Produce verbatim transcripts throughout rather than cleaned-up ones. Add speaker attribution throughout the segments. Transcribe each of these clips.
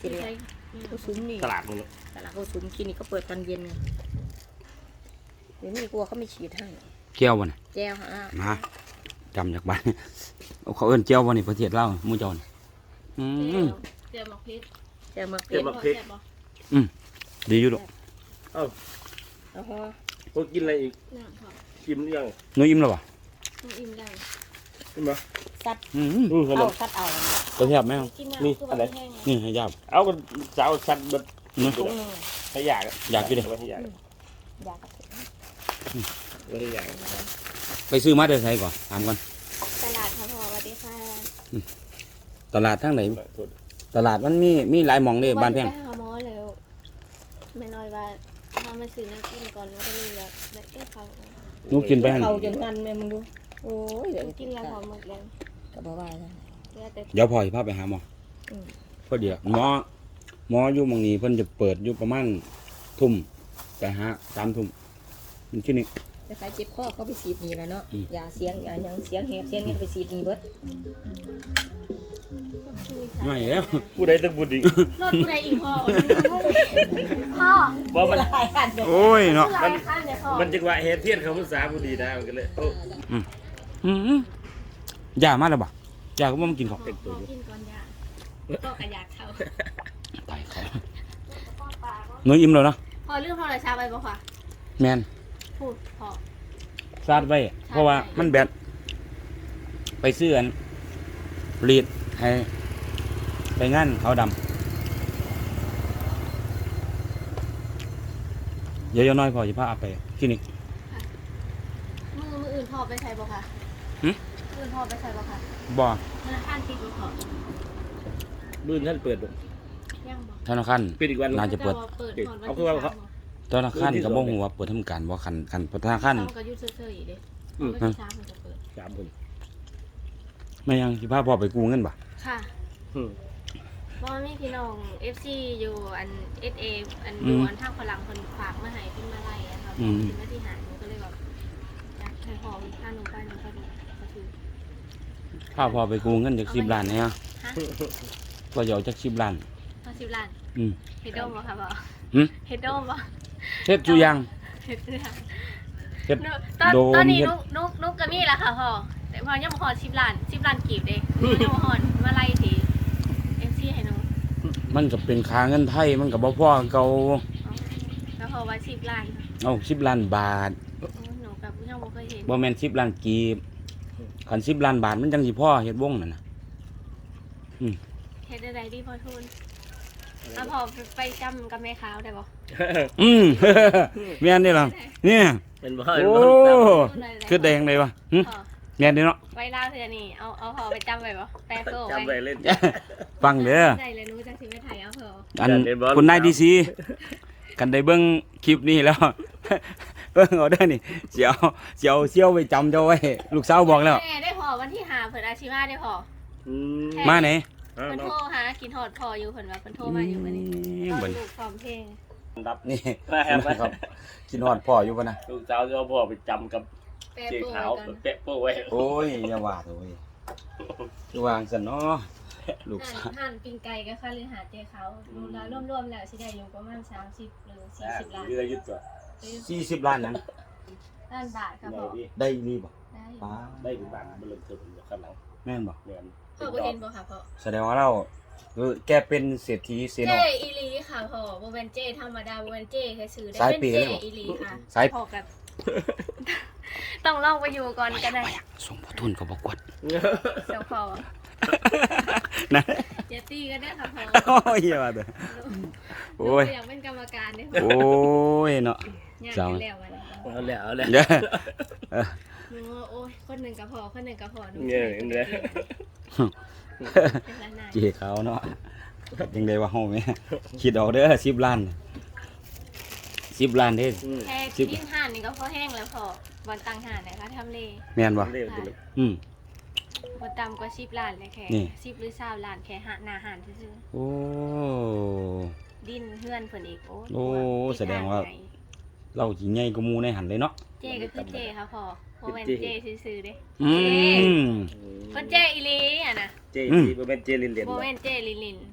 Speaker 1: กินเลยก็ซุ้มนี่
Speaker 2: ตลาดมึงเนาะ
Speaker 1: ตลาดก็ซุ้มกินนี่ก็เปิดตอนเย็นไงเดี๋ยวนี้กลัวเขาไม่ฉีดให้
Speaker 3: เจียวบ่เนี่ย
Speaker 1: แจ้วฮะ
Speaker 3: มาจำจากบ้านเอาเขาเอิ้นเจียวบ่นี่ประเทศลาวหมู่เจ้านี่อืม
Speaker 4: เจียวหมกพริก
Speaker 1: แจ้วมะเขื
Speaker 2: เก็
Speaker 1: อบ
Speaker 2: บักพริก
Speaker 4: แซ่บบ่
Speaker 3: ดีอยู่ดอก
Speaker 2: เอ้า
Speaker 1: แล้วก็
Speaker 2: พวกกินอะไรอีก
Speaker 4: น้ำพอ
Speaker 2: กินหรือยัง
Speaker 3: หนูอิ่มแล้วบ่
Speaker 4: ต้องอิ่มได้
Speaker 2: กินบ่
Speaker 1: ซัด
Speaker 3: อืม
Speaker 2: อืมขน
Speaker 1: เอา
Speaker 2: ม
Speaker 1: ซัดเอา
Speaker 3: ตัวแซ่บไหมครับ
Speaker 4: กิน
Speaker 2: นี่
Speaker 4: น้ำคือ
Speaker 2: อะไร
Speaker 4: แห้ง
Speaker 3: นี่ให้ยาบ
Speaker 2: เอาก็สาวสัตว์เบิด
Speaker 3: เนาะ
Speaker 1: ถุงหนึง
Speaker 2: ให้อยาก
Speaker 3: อยากกินดิ
Speaker 2: ให้อยาก
Speaker 1: อยาก
Speaker 2: ให้อยาก
Speaker 3: ไปซื้อมาเด้อไสก่อนถามก่อน
Speaker 4: ตลาดค่ะพ่อสวัสดีค่ะ
Speaker 3: ตลาดทางไหนตลาดมันมีมีหลายหม่องเด้บ้านแพง
Speaker 4: ไปหาหมอแล้วไม่น้อยว่าทำมาซื้อน้ำกินก่อนแล้วก็เลยแบบแบบเอ๊ะเขา
Speaker 3: หนูกินไปหั่น
Speaker 1: เขาจนงันแม่มึงดูโอ้ยเดี๋ยว
Speaker 4: กินแล้วพอหมดแล้ว
Speaker 1: ก็บอกว่านะ
Speaker 4: เหลือแต่
Speaker 3: เดี๋ยวพ่อสิพาไปหาหมอ
Speaker 1: อืม
Speaker 3: พอดีอะหมอหมออยู่หม่องนี้เพิ่นจะเปิดอยู่ประมาณทุ่มไปหาสามทุ่มมันที่นี่
Speaker 1: แต่ใครเจ็บคอเขาไปฉีดนี่แล้วเนาะ
Speaker 3: อืม
Speaker 1: ยาเสียงยาหยังเสียงแหบเสียงนี่ไปฉีดนี่เบิด
Speaker 3: ไม่แล้ว
Speaker 2: ผู้ใดต้องบุญอีก
Speaker 4: รถผู้ใดอีกพ่อพ่อ
Speaker 2: ว่ามัน
Speaker 1: หลายอันเด้อ
Speaker 3: โอ้ยเนาะ
Speaker 4: ผู้ใดขั้นเนี่ยพ่อ
Speaker 2: มันจังหวะเฮดเทียนเขาภาษาบุดีนะมันก็เลยโอ้
Speaker 3: อืมยามาแล้วบ่ยาก็บ่มากินข้าว
Speaker 4: พ่อกินก่อนยาก็กระยากเขา
Speaker 3: ตายเขาหนูอิ่มแล้วเนาะ
Speaker 4: พอเรื่องพอเลยชาไปบ่ค่ะ
Speaker 3: แมน
Speaker 4: พูดพอ
Speaker 3: ซาดไว้เพราะว่ามันแบตไปซื้ออันรีดให้ไปงานเขาวดำเดี๋ยวๆน้อยพอจะพาเอาไปคลินิก
Speaker 4: มือมืออื่นพอไปใส่บ่ค่ะ
Speaker 3: หึ
Speaker 4: มืออื่นพอไปใส่บ่ค่ะ
Speaker 3: บ่
Speaker 4: ธนาคารติดบ่พอ
Speaker 2: บื้นท่านเปิดบ่
Speaker 4: ยังบ่
Speaker 3: ธนาคาร
Speaker 2: ปิดอีกวัน
Speaker 3: น่าจะเปิด
Speaker 4: เปิดก่อนวัน
Speaker 2: เอาคื
Speaker 4: ที่
Speaker 2: อว่า
Speaker 4: สาม
Speaker 2: เขา
Speaker 3: ธนาคารก็บ่ฮู้ว่าเปิดทำการบ่คันคันธนาคาร
Speaker 4: ต้องก็อยุ่เฉยๆอีกเด้
Speaker 2: อืม
Speaker 4: วันที่สามมันจะเปิด
Speaker 2: สามคน
Speaker 3: ไม่ยังสิพาพ่อไปกู้เงินบ่
Speaker 4: ค่ะ
Speaker 2: อืม
Speaker 4: บ่มีพี่น้อง เอฟ ซี อยู่อัน เอส เอ อันอยู่อันทางฝรั่งเพิ่นฝากมาให้เป็นมาไล่อะค่ะเป็นมาที่หาหนูก็เลยแบบอยากให้พ่อพาหนูไปหนูก็ดูก็ถือ
Speaker 3: พาพ่อไปกู้เงินจากสิบล้านเนี่ย
Speaker 4: ฮะ
Speaker 3: ก็จะเอาจากสิบล้าน
Speaker 4: เอาสิบล้าน
Speaker 3: อืม
Speaker 4: เฮ็ดโดมบ่ค่ะพ่อ
Speaker 3: หึ
Speaker 4: เฮ็ดโดมบ่
Speaker 3: เฮ็ดจุยัง
Speaker 4: เฮ็ดเสื้อ
Speaker 3: เฮ็ด
Speaker 4: หนูตอน
Speaker 3: โดม
Speaker 4: ตอนนี้
Speaker 3: เฮ็ด
Speaker 4: นุกนุกนุกก็มีแล้วค่ะพ่อแต่พ่อยังบ่ฮอดสิบล้านสิบล้านกีบเด้ยังบ่ฮอดมาไล่ที เอฟ ซี ให้หนู
Speaker 3: มันก็เป็นค่าเงินไทยมันก็บ่พอเก่า
Speaker 4: แล้วพอว่าสิบล้าน
Speaker 3: เอาสิบล้านบาท
Speaker 4: โอ้หนูกับยังบ่เคยเห็น
Speaker 3: บ่แม่นสิบล้านกีบคันสิบล้านบาทมันจังสิพอเฮ็ดวงนั่นน่ะ
Speaker 4: เฮ็ดได้ดีพอทุนเอาพอไปจำกับแม่ขาวได้บ่
Speaker 3: อืม แม่นนี่ล่ะเนี่ย
Speaker 2: เป็นบ่
Speaker 3: โอ้ คือแดงเลยวะหึ
Speaker 4: พอ
Speaker 3: แม่นนี่เนาะ
Speaker 4: ไว้ลาวเทื่อนี่เอาเอาพอไปจำไว้บ่แปลโซ่
Speaker 2: จำไป
Speaker 4: ไว้
Speaker 2: เล่น
Speaker 3: ฟังเด้อ
Speaker 4: ได้เลยหนูจังสิไปถ่ายเอาเถอะ
Speaker 3: อัน
Speaker 2: อยากเล่นบอล
Speaker 3: คุณนายดีซีกันได้เบิ่งคลิปนี้แล้ว เบิ่งเอาเด้อนี่เสียวเสียวเสียวไปจำเจ้าไว้ลูกสาวบอกแล้ว
Speaker 4: แม่ได้พอวันที่ห้าเพิ่นอาชิมาได้พอ
Speaker 2: อืม
Speaker 3: มาไหน
Speaker 2: อ้าว
Speaker 4: เพิ่น
Speaker 2: เนาะ
Speaker 4: โทรหากินฮอดพออยู่เพิ่นว่าเพิ่นโทรมาอยู่มื้อนี้ต
Speaker 3: เบิ่
Speaker 4: อน
Speaker 3: ง
Speaker 4: ลูกซ้อมเพลง
Speaker 2: รับ
Speaker 3: นี่
Speaker 2: มาแฮม
Speaker 3: ครับกินฮอดพ่ออยู่ป่ะนะ
Speaker 2: ลูกสาวจะเอาพ่อไปจำกับ
Speaker 4: แปล
Speaker 2: เจ๊
Speaker 4: โซ่
Speaker 2: ขาว
Speaker 4: ไว้ก่อน
Speaker 2: แปะโป้ไว้
Speaker 3: โอ้ยอย่าว่าโอ้ยคือวางซั่นเนาะลูก
Speaker 4: หั่
Speaker 3: สาวน
Speaker 4: หั่นปิ้งไก่กับข้าวหรือหาเจเขารวมแล้วรวมๆแล้วสิได้อยู่ประมาณสามสิบหรือสี่สิบล้าน
Speaker 2: เรือยึดตัว
Speaker 3: สี่สิบล้านนั้น
Speaker 4: ล้านบาทครับ
Speaker 2: ไหน
Speaker 4: พ่อ
Speaker 2: ดิ
Speaker 3: ได้รีบ่
Speaker 4: ได้
Speaker 3: ป้า
Speaker 2: ได้ถึงบ้านมันเริ่มเทิมอยู่ข้างหลัง
Speaker 3: แม่นบ่
Speaker 2: เนียน
Speaker 4: พ่อบ่เห็นบ่ค่ะพ่อ
Speaker 3: แสดงว่าเราเออแกเป็นเศรษฐีเซ
Speaker 4: เจ
Speaker 3: โน
Speaker 4: อีหลีค่ะพ่อบ่แม่นเจธรรมดาบ่แม่นเจแค่ซื้อได้
Speaker 3: สาย
Speaker 4: เป็น
Speaker 3: เปย์
Speaker 4: เจ
Speaker 3: เลยเหรอ
Speaker 4: อีหลีค่ะ
Speaker 3: สาย
Speaker 4: พ่อกับ ต้องลองไปอยู่ก่อนก็ได้
Speaker 3: ส่งพ่อทุนก็บ่กวด
Speaker 4: เจ้าพ่อ
Speaker 3: นะ
Speaker 4: อย่าตีกันเด้อค่ะพ่อ
Speaker 3: โอ้ยอย่าว่าเด้อ โอ้ย
Speaker 4: หนูอยากเป็นกรรมการเด้อ
Speaker 3: โอ้ยเนาะ
Speaker 4: อยาก
Speaker 3: เจ้า
Speaker 4: เป็นแล้ววันนี้
Speaker 2: เอาแล้วเอาแล้ว
Speaker 3: เด้อเออ
Speaker 4: หนูว่าโอ้ยคนหนึงก็พอคนหนึงก็พอหนู
Speaker 2: เนี่ยเห็นไหม
Speaker 4: เป็นล้านนาย
Speaker 3: เจีเขาเนาะยังได้ว่าเฮาแม่คิดเอาเด้อสิบล้านสิบล้านเด้อ
Speaker 2: อืม
Speaker 4: แค่
Speaker 3: สิบ
Speaker 4: กินห่านนี่ก็พอแห้งแล้วพอบอลตังห่านนะคะทำเล
Speaker 3: แม่นบ่
Speaker 2: เร็วจังเลย
Speaker 3: อืม
Speaker 4: บอลต่ำกว่าสิบล้านเลยแค่
Speaker 3: นี่
Speaker 4: สิบหรือสามล้านแค่หาหนาห่านซื่อ
Speaker 3: โอ้
Speaker 4: ๆดินเฮือนเพิ่นอีกโอ้
Speaker 3: โอ้
Speaker 4: ติ
Speaker 3: แสดงว่า
Speaker 4: ทไหน
Speaker 3: เราสิใหญ่กว่าหมู่ในหันเลยเนาะ
Speaker 4: เจก็คือเจค่ะพอโมเมนเจซื่อๆเด้
Speaker 3: อืม
Speaker 4: เพิ่นเจอีหลีอ่ะนะ
Speaker 2: เจซีบ่เป็นเจลินเหรียญ
Speaker 4: โม
Speaker 2: บ่
Speaker 4: เมนเจลินลิน
Speaker 3: อ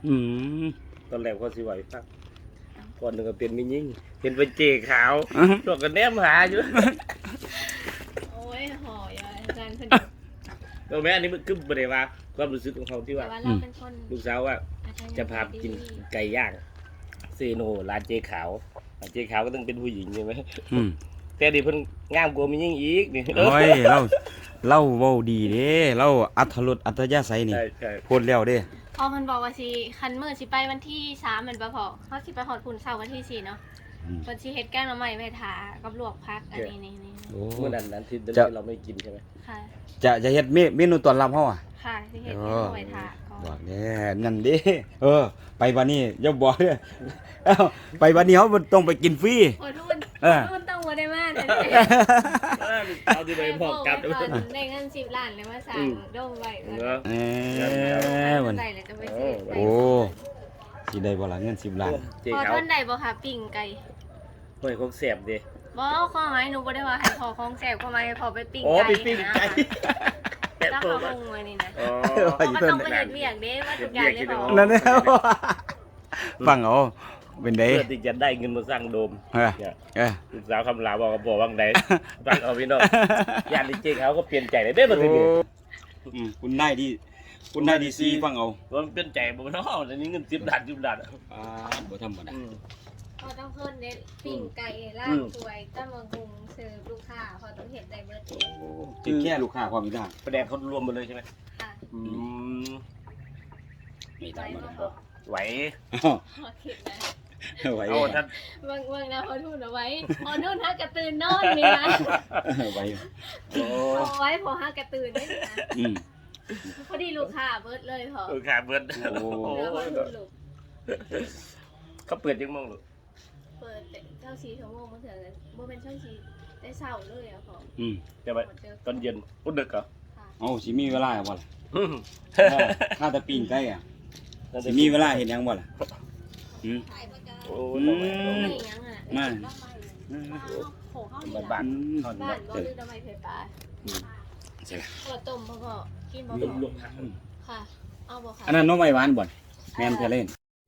Speaker 3: อืม
Speaker 2: ตอนแรกเขาสิไหวฟังก่อนหนึ่งก็เป็นมิยิ่งเป็นเป็นเจขาวตัวกันแนมหาอยู่
Speaker 4: โอ้ยหอยอ่ะอาจารย์เพิ่น
Speaker 2: ตัวแม่อันนี้มันคือบ่ได้ว่าความรู้สึกของเขาที่
Speaker 4: แต่
Speaker 2: ว่า
Speaker 4: ว่าเราเป็นคน
Speaker 2: ลูกสาวว่า
Speaker 4: อาจารย์
Speaker 2: จะพาไปกินไก่ย่างเซโนร้านเจขาวร้านเจขาวก็ต้องเป็นผู้หญิงใช่ไหม
Speaker 3: อืม
Speaker 2: แต่ดิเพิ่นงามกว่ามิยิ่งอีกนี่
Speaker 3: โอ้ยเราเราเว้าดีเด้เราอัธรสอัธยาศัยนี่
Speaker 2: ใช่ใช่
Speaker 3: พูดแล้วเด้
Speaker 4: พอเพิ่นบอกว่าสิคันมื้อสิไปวันที่สามแม่นบ่พอเฮาสิไปฮอดพุ่นเช้าวันที่สี่เนาะ
Speaker 3: อืม
Speaker 4: เพิ่นสิเฮ็ดแกงหน่อไม้ไว้ทากับลวกผักอันนี้นี่นี่
Speaker 3: โอ้
Speaker 2: เมื่อนั้นนั้นที่
Speaker 3: จะ
Speaker 2: เราไม่กินใช่ไหม
Speaker 4: ค่ะ
Speaker 3: จะจะเฮ็ดเมเมนูต้อนรับเฮาอ่ะ
Speaker 4: ค่ะสิเฮ็ดแกงหน่อไม้ทาก่อน
Speaker 3: บอกแน่นั่นเด้เออ ไปบัดนี้อย่าบอกเด้อเอ้าไปบัดนี้เฮาบ่ต้องไปกินฟรี
Speaker 4: โอ้ทุน
Speaker 3: เออ
Speaker 4: ทุนต้องบ่ได้มาแต่
Speaker 2: เอาที่ไปบอกกลับ
Speaker 4: แต่พอได้เงินสิบล้านเลยมาสั่งดงไว้
Speaker 2: เนาะ
Speaker 3: เอ้ยมัน
Speaker 4: ใส่เลยจะไปซื้อ
Speaker 3: โอ้สิได้บ่ล่ะเงินสิบล้าน
Speaker 2: เจ
Speaker 4: พอ
Speaker 2: ขาว
Speaker 4: ท่านใดบ่ค่ะปิ้งไก่
Speaker 2: เฮ้ยของแสบดิ
Speaker 4: บ่ข้อหมายหนูบ่ได้ว่าให้พอของแซ่บข้อหมายให้พอไปปิ้ง
Speaker 2: อ๋อ
Speaker 4: ไก่
Speaker 2: ไปปิ้งไก่แกะ
Speaker 4: เจ้า
Speaker 2: ตัว
Speaker 4: เขา
Speaker 2: ก่อน
Speaker 4: ลงไว้นี่นะ
Speaker 2: อ๋อ
Speaker 4: พอก็ต้องไปเฮ็ดเวียกเด้ว่าทุกอย่างเลยพอ
Speaker 3: นั่นแหละฟังเอาเป็นได
Speaker 2: เพื่อที่จะได้เงินมาสร้างโดม
Speaker 3: เออ
Speaker 2: เนี่ย
Speaker 3: เออ
Speaker 2: ลูกสาวคำลาบอกกับบอกว่างไหนฟังเอาพี่น้องญาติเจเขาก็เปลี่ยนใจเลยได้มาทีนี้
Speaker 3: อืมคุณได้ดีคุณได้ดีซีฟังเอา
Speaker 2: ว่ามันเปลี่ยนใจบ่เนาะอันนี้เงินสิบล้านสิบล้าน
Speaker 3: อ่าบ่ธรรมดา
Speaker 2: อืม
Speaker 4: พอต้องเพิ่นเด้ปิ้งไก่ลา
Speaker 2: อื
Speaker 4: บ
Speaker 2: ม
Speaker 4: สวยตำบักหุ่งเสิร์ฟลูกค้าพอต้องเฮ็ดได้เบิดเอง
Speaker 3: คือแค่ลูกค้าความมีได้
Speaker 2: ประเด็นเขารวมหมดเลยใช่ไหม
Speaker 4: ค่ะ
Speaker 2: อืม
Speaker 3: ไม่ธรรมดา
Speaker 2: ไหว
Speaker 3: อ้าว
Speaker 4: พอคิดนะ
Speaker 3: ไหว
Speaker 2: เอาท่าน
Speaker 4: เบิ่งเบิ่งนะพอทุนเอาไว้พอนุ่นฮักกระตื่นนอนนี่นะ
Speaker 3: ไหว
Speaker 2: โอ้
Speaker 4: เอาไว้พอฮักกระตื่นได้นี่นะ
Speaker 3: อืม
Speaker 4: พอดีลูกค้าเบิดเลยพอ
Speaker 2: เออขาเบิด
Speaker 3: โอ้
Speaker 2: โอ้
Speaker 4: แล้วพอทุนลูก
Speaker 2: เขาเปิดยังมองหรือ
Speaker 4: เปิดแต่เก้าสี่ชั่วโมงมาถึงเลยบ่เป็นช่วงชีได้เศร้าเลยอะพอ
Speaker 3: อืม
Speaker 2: จะไป
Speaker 4: หมดเจอ
Speaker 2: ตอนเย็นพุธดึกเหรอ
Speaker 4: ค่ะ
Speaker 3: เอาสิมีเวลาบ่ล่ะ
Speaker 2: อืม
Speaker 3: ถ้าแต่ปิ้งไก่อ่ะสิมีเวลาเฮ็ดหยังบ่ล่ะอืม
Speaker 2: โอ้
Speaker 3: อื
Speaker 2: ย
Speaker 3: ม
Speaker 4: ไม่ยังอ่ะ
Speaker 3: มา
Speaker 4: อืมโหเข้า
Speaker 2: บ้า
Speaker 4: บ้าน น
Speaker 2: บ้าน
Speaker 3: อืม
Speaker 2: ทอด
Speaker 4: บ้า
Speaker 2: เนาะ
Speaker 4: นบ่ลืมทำไมไฟฟ้า
Speaker 3: ใช่ล่ะ
Speaker 4: ข้าวต้มพ่อก็กินบ่
Speaker 2: ลุ
Speaker 4: พ
Speaker 2: ก
Speaker 4: อ
Speaker 2: ลุกหัก
Speaker 4: ค่ะเอาบ่ค่ะ
Speaker 3: อันนั้นน้องไม้หวานบ่นแม่นเธอเล่น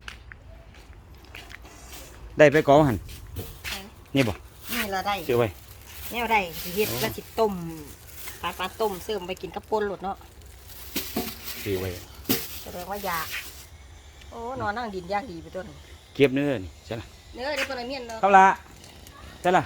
Speaker 3: ได้ไปกอหั่นนี่บ่
Speaker 1: นี่เราได้
Speaker 3: ซื้อไว้
Speaker 1: แนวได้สิเฮ็ดแล้วสิต้มปลาปลาต้มเสริมไปกินกับป่นโลดเนาะ
Speaker 3: ซื้อไว้
Speaker 1: แสดงว่ายากโอ้นอนนั่งดินยากดีไปต้น
Speaker 3: เก็บเนื้อนี่ใช่ล่ะ
Speaker 1: เนื้อได้ปลาเมียนเนาะ
Speaker 3: ครับละใช่ล่ะ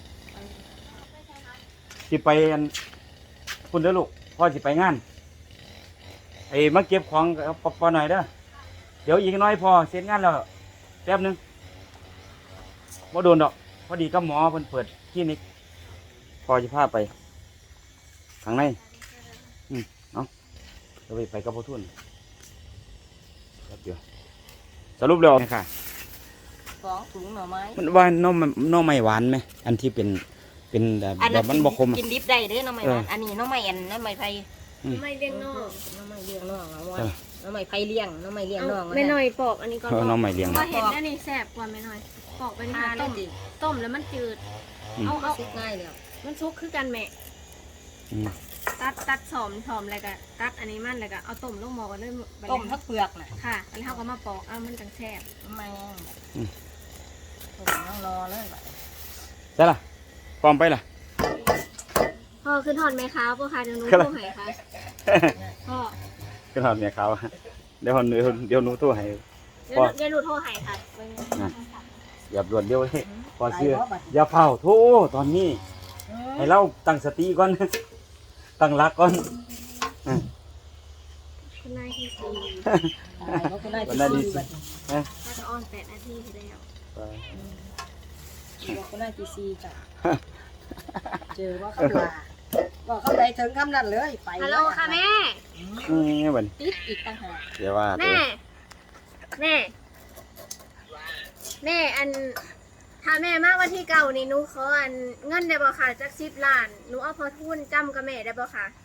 Speaker 3: สิไปอันคุณเด้อลูกพ่อสิไปงานไอ้มาเก็บของกับปอหน่อยเด้อเดี๋ยวอีกน้อยพอเสร็จงานแล้วแป๊บหนึงบ่โดนดอกพอดีกับหมอเพิ่นเปิดคลินิกพอจะพาไปข้างในอืมเอาเดี๋ยวไปไปกับพ่อทุนแป๊บเดียวสรุปแล้วค่ะ
Speaker 1: สองถุงหน่อไม้
Speaker 3: มันว่าน้องน้องไม่หวานไหมอันที่เป็นเป็นแบบ
Speaker 1: อัน
Speaker 3: แบ
Speaker 1: นั้
Speaker 3: บ
Speaker 1: น
Speaker 3: มันบกคมอะ
Speaker 1: กินดิบได้เด้อหน้ำไม้หวาน
Speaker 3: เอออั
Speaker 1: อันนี้หน้ำไม้อันหน้ำไม้ไผ่
Speaker 4: ไม่เลี้ยงนอก
Speaker 1: หน้ำไม้เลี้ยงน้องเอาไว้
Speaker 3: เออ
Speaker 1: หน้ำไม้ไผ่เลี้ยงหน้ำไม้เลี้ยงน้อง
Speaker 4: ไม่หน่อยปอกอันนี้ก่อน
Speaker 3: เออน้องไม่เลี้ยง
Speaker 4: พอเห็นอันนี้แซ่บกว่าไม่หน่อยปอกไปนี่
Speaker 1: ทา
Speaker 4: ค่ะ
Speaker 1: ได้
Speaker 4: ต้ม
Speaker 1: ดิ
Speaker 4: ต้มแล้วมันจืด
Speaker 3: อืม
Speaker 4: เอาเอา
Speaker 1: ซุกง่ายเลย
Speaker 4: มันซุกคือกันแม่
Speaker 3: อืม
Speaker 4: ตัดตัดสอมสอมอะไรกันตัดอันนี้มันอะไรกันเอาต้มลงหม้อกันเลยไปเลย
Speaker 1: ต้มทั้งเปลือกน่ะ
Speaker 4: ค่ะแล้วเขาก็มาปอกเอามันจังแซ่บ
Speaker 1: แม่งต้มน้องรอเลยบัด
Speaker 3: ใช่ล่ะพร้อมไปล่ะ
Speaker 4: พ่อขึ้นทอดไหมคะพ่อคะเดี๋ยวหนู
Speaker 3: ครับ
Speaker 4: โทรให้ค่ะพ่อ
Speaker 3: ก็ทำเนี่ยเขาเดี๋ยวหนูเดี๋ยวหนูโทรให้
Speaker 4: เดี๋ยว
Speaker 3: พ่อ
Speaker 4: เดี๋ยวหนูโทรให้ค่ะ
Speaker 3: อย่าด่วนเดียวเลยพอเชื่ออย่าเผาโทรตอนนี้ ให้เราตั้งสติก่อน ตั้งหลักก่อนอ่ะ
Speaker 4: คุณนายที่สี่
Speaker 1: อะไรเขาก็ได้
Speaker 3: วันนั้นดี
Speaker 1: ที่
Speaker 3: สิ
Speaker 1: บัด
Speaker 3: อ่ะ
Speaker 4: ถ้าจะออนแปดนาทีแล้ว
Speaker 3: ไป
Speaker 1: บอกเขาได้ที่ซีจ้ะเจอว่าเขาลาบอกเขาได้ถึงคำนั้นเลยไป
Speaker 4: ฮัลโหลค่ะแม่
Speaker 3: นี่บัน
Speaker 1: ติดอีกต่างหาก
Speaker 3: เดี๋ยวว่าตัว
Speaker 4: แม่แม่แม่อันถ้าแม่มาวันที่เก่านี่หนูขออันเงินได้บ่ค่ะจักสิบล้านหนูเอาพอทุนจำกับแม่ได้บ่ค่ะ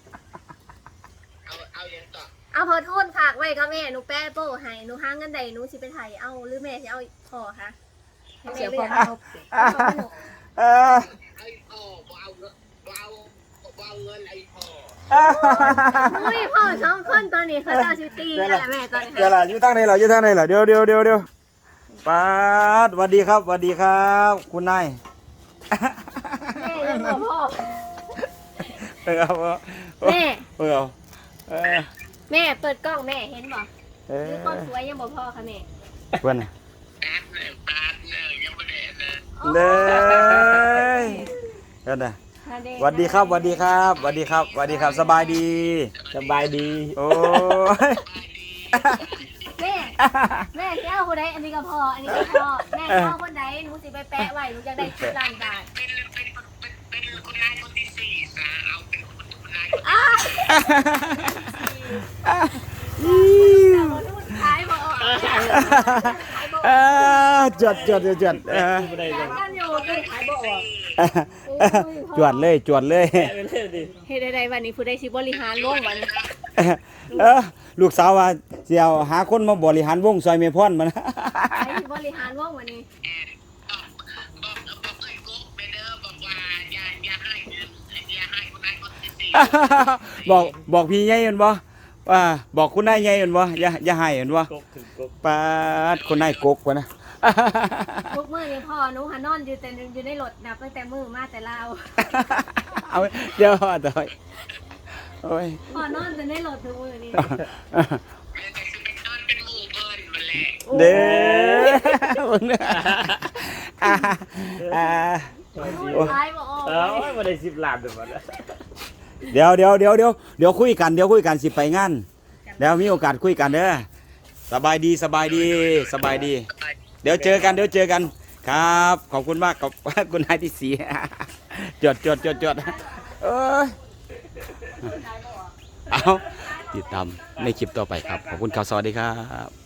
Speaker 4: เอาพอทุนฝากไว้กับแม่หนูแป้โป้ให้หนูหาเงินใดหนูสิไปไถเอาหรือแม่สิเอาพอคะให้แม่
Speaker 1: เสีย
Speaker 4: เลื
Speaker 1: ค
Speaker 4: อ
Speaker 1: วาก ม
Speaker 4: เอา
Speaker 1: เอา
Speaker 3: เออ
Speaker 4: อุ้ยพ่อสองคนตอนนี้เขาเจ้าชิตีกันแหละแม่ตอนนี้
Speaker 3: เดี๋ยวล่ะอยู่ทางไหนเหรออยู่ทางไหนเหรอเดี๋ยวเดี๋ยวเดี๋ยวเดี๋ยวปาดสวัสดีครับสวัสดีครับ คุณนาย
Speaker 4: แม่ยังบอกพ่อ
Speaker 3: เออเอา
Speaker 4: แม่
Speaker 3: เออเอาเออ
Speaker 4: แม่เปิดกล้องแม่เห็นบอก
Speaker 3: เอ
Speaker 4: หรือคนสวยยังบอกพ่อค่ะแม่
Speaker 3: เพื่อนน่ะเลยเพื่อนน่ะสวัสดีครับสวัสดีครับสวัสดีครับสวัสดีครับสบายดี
Speaker 2: สบายดี
Speaker 3: โอ้ย
Speaker 4: แม่แม่แก้วคนใดอันนี้ก็พออันนี้ก็พอแม่พ่อคนใดหนูสิไปแปะไว้หนูจะได้สิบล้านบาทอ้าขายบ่ออกขายบ่อ
Speaker 3: เอ
Speaker 4: อก
Speaker 3: อจดจดจดจดเออ
Speaker 2: ไม่ได้
Speaker 4: อยากกันอยู่คือขายบ่ออก
Speaker 3: จวดเลยจวดเลย
Speaker 2: ไม่เล่นดิ
Speaker 4: เฮ็ดได้วันนี้ผู้ใดสิบริหารโลกวัน
Speaker 3: เออลูกสาวว่าเสียวหาคนมาบริหารวงซอยเมพอนมัน
Speaker 4: ใครสิบริหารโลกวันนี้
Speaker 3: บอกบอกพี่ใหญ่เห็นบ่ว่าบอกคุณนายใหญ่เห็นบ่อย่าอย่าให้เห็นบ่
Speaker 2: กกถึงกก
Speaker 3: ปาดคนนายกกวะนะ
Speaker 4: ทุกมื้อนี้พ่อหนูหานอนอยู่แต่อยู่ในรถนับตั้งแต่มื้อมาแต่ลาว
Speaker 3: เอาเดี๋ยวต่อยโอ้ย
Speaker 4: พ่อนอนแต่ในรถทุกมื้อนี้
Speaker 3: เด้อมึงเนี่ยอ่าอ่า
Speaker 4: ขายบ่ออก
Speaker 2: เอ้าไม่ได้สิบล้านเดี๋ยวมัน
Speaker 3: เดี๋ยวเดี๋ยวเดี๋ยวเดี๋ยวเดี๋ยวคุยกันเดี๋ยวคุยกันสิไปงานเดี๋ยวมีโอกาสคุยกันเด้อสบายดีสบายดีสบายดี เดี๋ยวเจอกันเดี๋ยวเจอกันครับขอบคุณมากกับ คุณนายที่สีจดจดจดจดเอ้ยเอาติดตามในคลิปต่อไปครับขอบคุณครับสวัสดีครับ